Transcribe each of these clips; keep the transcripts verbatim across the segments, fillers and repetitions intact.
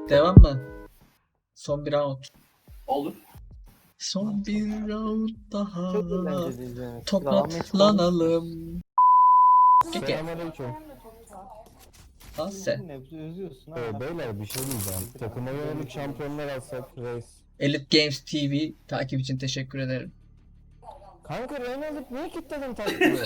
Devam mı? Son bir round. Olur. Son bir round daha. Çok eğlenceli izlemesi. Tokatlanalım. Keke. Selamünaleyküm. Lan sen. Nebze özüyorsun ha. Ee, beyler bir şey diyeceğim. Takıma yönelik şampiyonlar alsak reis. Elite Games T V takip için teşekkür ederim. Kanka Reyna alıp niye kilitledin taktiği?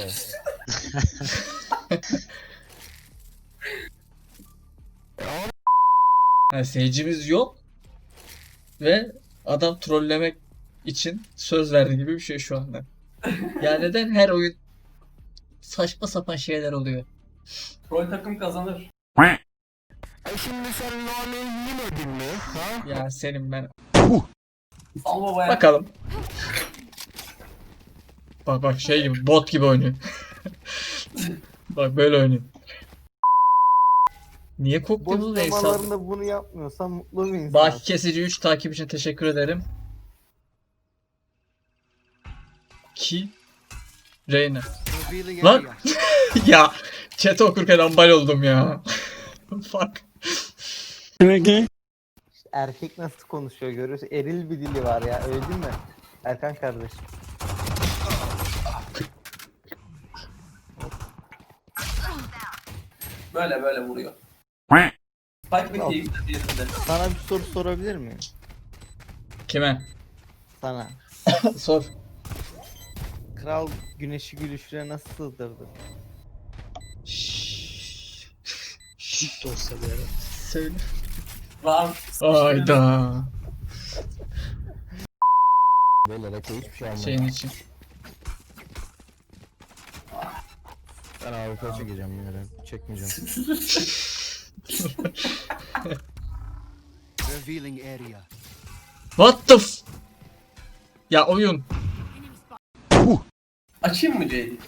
Yani seyircimiz yok ve adam trollemek için söz verdi gibi bir şey şu anda. Yani neden her oyun saçma sapan şeyler oluyor? Troll takım kazanır. E şimdi sen Lone'yi yemedin mi? Ha? Ya senin ben. Sal babaya. Bakalım. Bak bak şey gibi bot gibi oynuyor. Bak böyle oynuyor. Niye Boş koktunuz da hesap? zamanlarında bunu yapmıyorsan mutlu bir insan. Baki Kesici üç takip için teşekkür ederim. Ki Reyna. Lan ya chat okurken ambal oldum ya. Fuck. İşte erkek nasıl konuşuyor görüyorsun. Eril bir dili var ya, öyle değil mi? Erkan kardeş. Böyle böyle vuruyor. Spike bir keyifli diğerinde. Sana bir soru sorabilir miyim? Kime? Sana. Sor. Kral güneşi gülüşüne nasıl sığdırdı? Şşş olsa bir ara. Söyle. Var. Ayda. Beyler Eko hiçbir şey almadı. Şeyin için. Ben A W P çekeceğim yine. Çekmeyeceğim. Revealing area. What the f... Ya oyun. Açayım mı C'yi?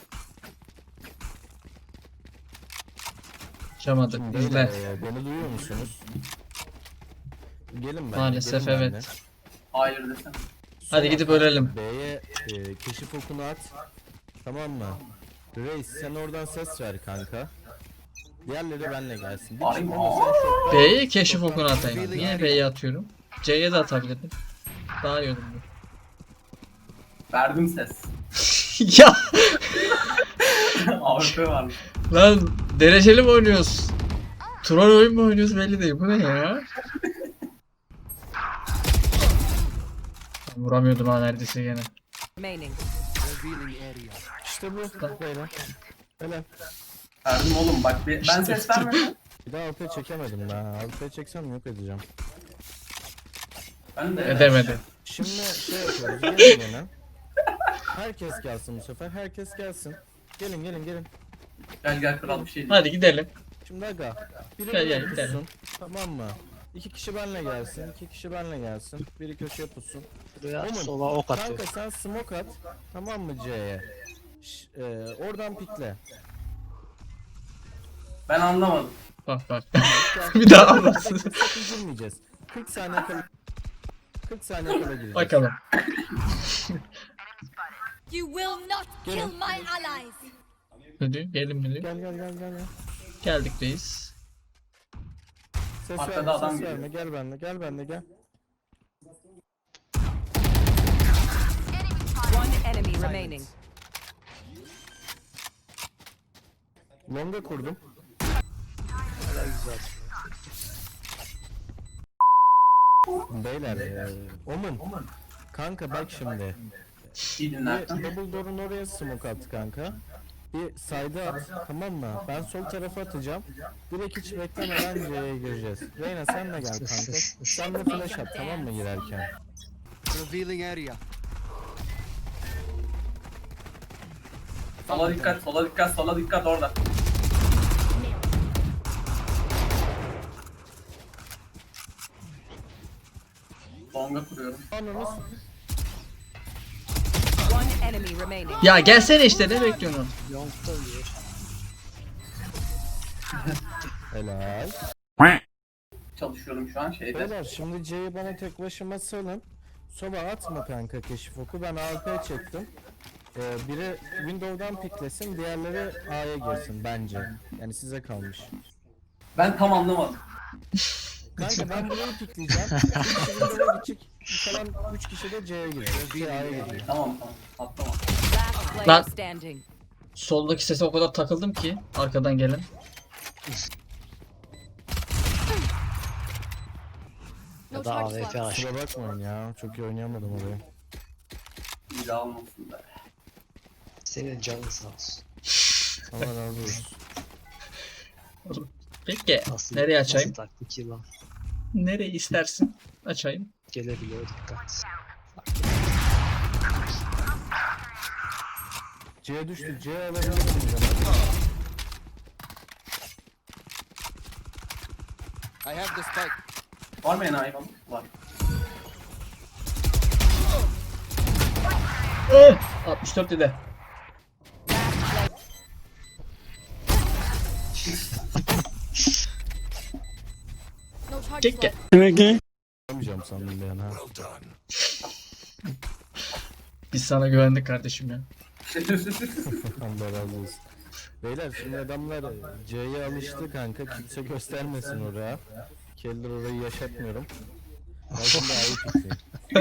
Açamadık. Şimdi İzle. beyler, e, beni duyuyor musunuz? Gelin ben. Maalesef evet. Hayır desem. Hadi gidip ölelim. B'ye e, keşif okunu at. Tamam mı? Reis sen oradan ses ver kanka. Diğerleri benle gelsin. Bir Ay. kişi ama sen şokta- B'ye keşif okunu atayım. Niye B'ye atıyorum? C'ye de atabilirdim. Daha iyi olur bu. Verdim ses. Ya A W P varmış. lan dereceli mi oynuyoruz? Troll oyun mu oynuyoruz belli değil. Bu ne ya? Vuramıyordum ha neredeyse gene. Remaining. Revealing area. İşte bu. Beyler. Helal. Verdim oğlum bak bir, ben ses vermedim. Bir daha A W P çekemedim ben. A W P çeksem yok edeceğim. Ben de Edemedi. Şimdi şey yapıyoruz. Gelin yine. Herkes gelsin bu sefer. Herkes gelsin. Gelin gelin gelin. Gel gel kral bir şey değil. Hadi gidelim. Şimdi aga. Biri Gel, buraya gel, gidelim. pussun. Tamam mı? İki kişi benle gelsin. iki kişi benle gelsin. Biri köşeye pussun. Buraya Oğlum, sola ok atıyor. Kanka sen smoke at. Tamam mı C'ye? Ş- e, oradan pikle. Ben anlamadım. Bak bak. Bir daha anlatsın. Sakın girmeyeceğiz. kırk saniye kala kırk saniye kala gireceğiz. Bakalım. You will not Get kill him. my allies. Hadi gelin geliyor. Gel gel gel gel. gel. Geldik reis. Ses Arkada verme, adam ses geliyor. verme. Gel benimle, gel benimle gel. One enemy remaining. Longa kurdum. Hala güzel. Beyler, e, Omen. Kanka bak şimdi. İyi Bir dinlersin. double door'un oraya smoke at kanka. Bir side'a at, tamam mı? Ben sol tarafa atacağım. Direkt hiç beklemeden C'ye gireceğiz. Reyna sen de gel kanka. Sen de flash at, tamam mı girerken? Revealing area. Sola dikkat, sola dikkat, sola dikkat orada. Longa kuruyorum. Ananız. One enemy remaining. Ya gelsene işte ne bekliyorsun? Yonk'ta diyor. Helal. Çalışıyorum şu an şeyde. Beyler şimdi C'yi bana tek başıma salın. Soba atma kanka keşif oku. Ben A W P çektim. Ee, biri Windows'dan piklesin, diğerleri A'ya girsin bence. Yani size kalmış. Ben tam anlamadım. Kanka ben burayı pikleyeceğim. Bir kişi Windows'a gidecek. Kalan üç kişi de C'ye girecek. C A'ya girecek. Tamam tamam. Atlama. Last player Lan. standing. Soldaki sese o kadar takıldım ki arkadan gelen. Ya da A W P aç. Kusura bakmayın ya. Çok iyi oynayamadım orayı. İyi almasın be. Senin canın sağ olsun. Allah razı olsun. Peki Nasıl, nereye açayım? Nasıl taktik yılan? Nereyi istersin? Açayım. Gelebiliyor, dikkat. C'ye düştü. C alabilirsiniz ama. I have the spike. Var mı enayi falan? Var. Eh, altmış dört dedi. No charge Kekke. Yapamayacağım sandım ben ha. Biz sana güvendik kardeşim ya. Allah razı olsun. Beyler şimdi adamlar C'ye alıştı kanka. Kimse göstermesin oraya. Keller orayı yaşatmıyorum. Ben şimdi A'yı pikleyeyim.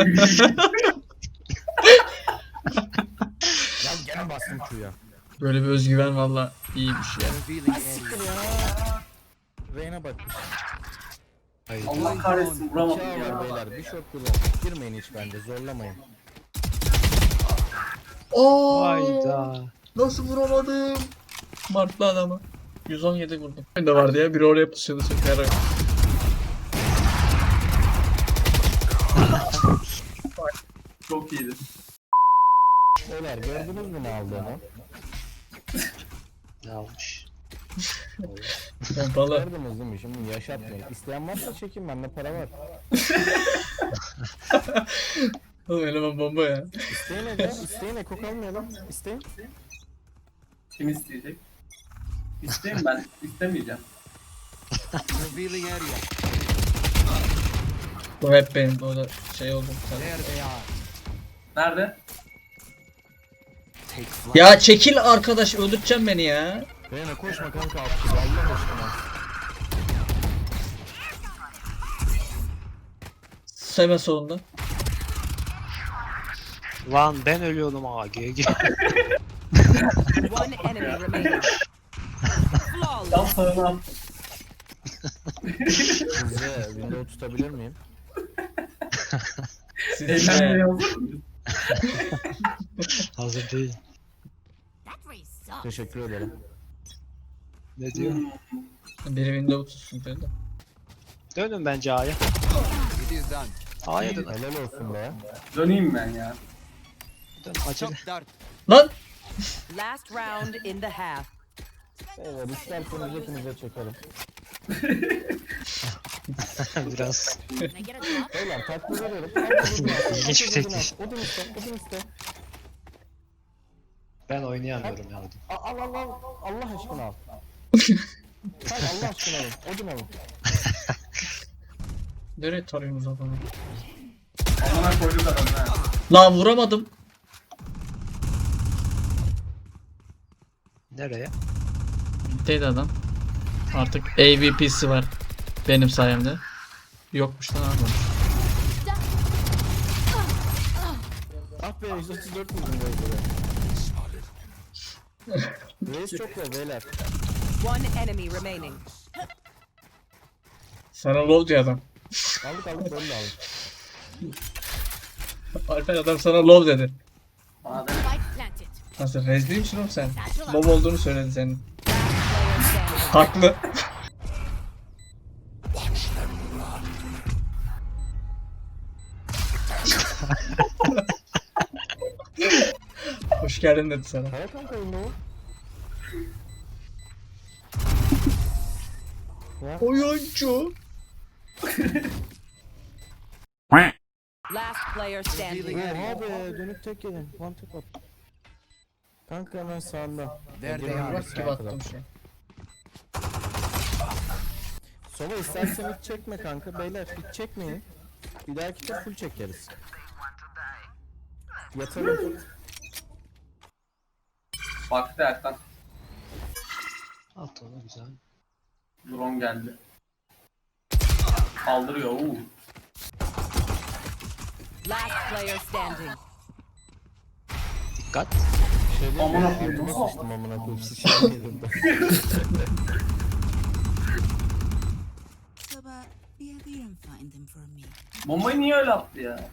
Ya gene bastım Q'ya. Böyle bir özgüven valla iyiymiş ya. Revealing area. Reyna bakmış. Hayır. Allah kahretsin vuramadım Bıçağı var ya. beyler. Bir shot kullan. Girmeyin hiç bence. Zorlamayın. Oo, Hayda. nasıl vuramadım? Martlı adamı. yüz on yedi vurdum. Ben de vardı ya biri oraya pusuyordu süper. Çok iyiydi. Beyler gördünüz mü ne aldığını? Ne almış? Pompalı. Gördünüz değil mi? Şimdi yaşatmayın. İsteyen varsa çekin, bende para var. Oğlum eleman bomba ya. İsteyin Ege, isteyin Eko kalmayalım. İsteyin. Kim isteyecek? İsteyim ben. İstemeyeceğim. Revealing area. Bu hep benim orada şey oldu. There they are. Nerede? Take flight. Ya çekil arkadaş öldürteceksin beni ya. Reyna koşma kanka alt gibi, Allah aşkına. Hemen solunda. Lan ben ölüyordum A G G. One enemy remaining. Flawless. Tam sağına at. Size window tutabilir miyim? Siz Eğlenmeye de hazır mısın? Hazır değil. Teşekkür ederim. Ne diyor? biri window tutsun böyle. Dönün bence A'ya. It is done. A'ya dön. Helal olsun be. Döneyim ben ya. Dön acele. Shock dart. Lan! Last round in the half. Evet, isterseniz hepinize çekerim. Biraz Beyler takdir ederim. İlginç bir teklif. Odun iste, odun iste. ben oynayamıyorum ya. Al al al al. Allah aşkına al. Hayır Allah aşkına alın. Odun alın. Nereye tarıyorsunuz adamı? Amına koyduk adamı ha. Lan vuramadım. Nereye? Bitteydi adam. Artık A V P'si var. Benim sayemde. Yokmuş lan abi. Ah be yüz otuz dört vurdum böyle. Reis çok low beyler. One enemy remaining. Sana low diyor adam. Aldık aldık böyle aldık. Alper adam sana low dedi. Bana da Nasıl rezil misin oğlum sen? Low olduğunu söyledi senin. Player standing. Haklı. Hoş geldin dedi sana. Kaya kanka window. Oyuncu. Last player standing. Oha be dönüp tek yedin. One tap at. Kanka hemen sağında. There they Egemen are. abi Bak gibi sağ attım taraf. şu an. Sova istersen hiç çekme kanka beyler hiç çekmeyin. Bir dahaki de full çekeriz. Yatalım. baktı Erkan. At onu güzel. Drone geldi. Kaldırıyor. Uuu. Last player standing. Dikkat. Şey değil mi? Amına koyayım. Altıma sıçtım amına koyayım. Sıçtım yedim ben. So, but be a dear and find them for me. Bombayı niye öyle attı ya?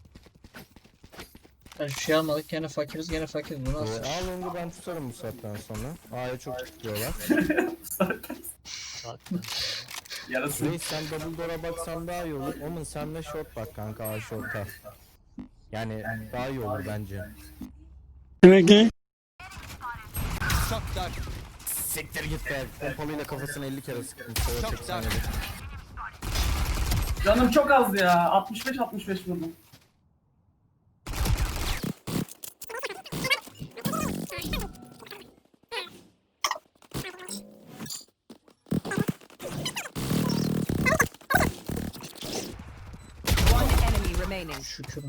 Ya şu şey almadık gene fakiriz gene fakiriz. Bu nasıl? Ee, Al önce ben tutarım bu saatten sonra. A'ya çok tutuyorlar. Zaten. Yarası. Reis sen double door'a baksan daha iyi olur. Omen sen de short bak kanka A short'a. Yani daha iyi olur bence. Shock dart. Siktir git be. Pompalıyla kafasını elli kere sıktım. Sonra Çok seksen güzel. yedi. Canım çok az ya. altmış beş altmış beş vurdum. One enemy remaining. Şükür.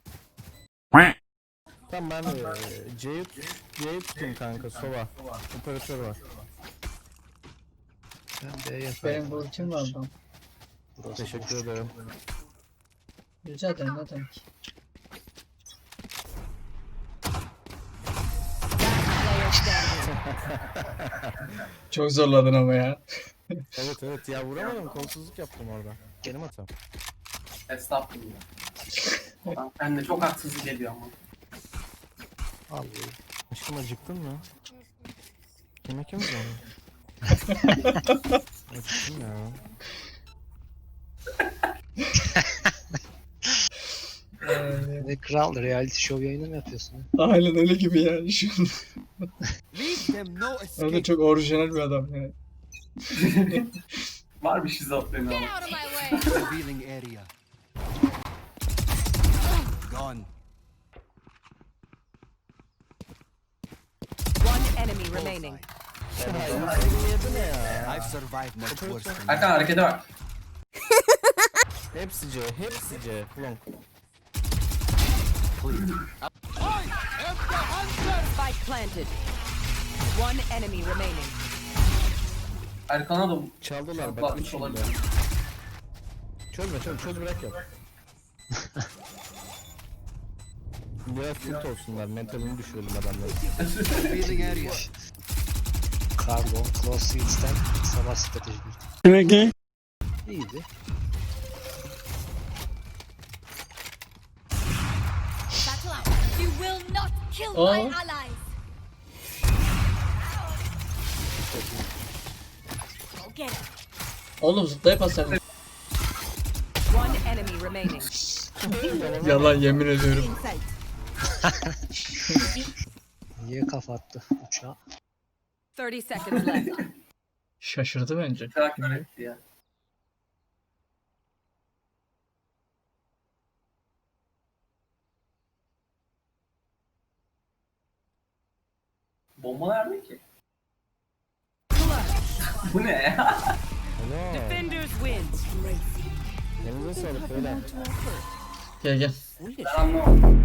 Tamam ben e, C'yi C'yi tutayım kanka Sova. Operatör var. Ben B'ye Benim bu ultim var lan. Burası Teşekkür boş. ederim. Rica ederim ne demek. Player standing. Çok zorladın ama ya. Evet evet ya vuramadım kolsuzluk yaptım orada. Benim hatam. Estağfurullah. Ben de çok haksızlık geliyor ama. Al. Aşkım acıktın mı? Yemek yemiyor musun? Acıktım ya. Ee, Ne kral reality show yayını mı yapıyorsun? Aynen öyle gibi yani şu an. Leave them no O da escape. çok orijinal bir adam yani. Var bir şizofreni ama. Revealing area. Gone. One enemy remaining. I've survived much worse than Erkan harekete bak. Hepsi C, hepsi C. Long. Spike planted. One enemy remaining. Erkan'a da Çaldılar bak. Patlatmış Üç şimdi. olabilir. Çözme çöz, çöz bırak yap. Biraz tilt olsunlar, mentalini düşürelim adamları. revealing area. Carbon, Close Seeds'ten savaş strateji. İyiydi. Battle out. You will not kill Oh. my allies. Go get it. Oğlum zıplayıp atsana. One enemy remaining. Yalan yemin ediyorum. In sight. Niye kafa attı uçağa? thirty seconds left. Şaşırdı bence. Karakter etti ya. Bomba nerede ki? Bu ne ya? Hello. Defenders win. Elinize sağlık beyler. Gel gel. Ben anlamadım.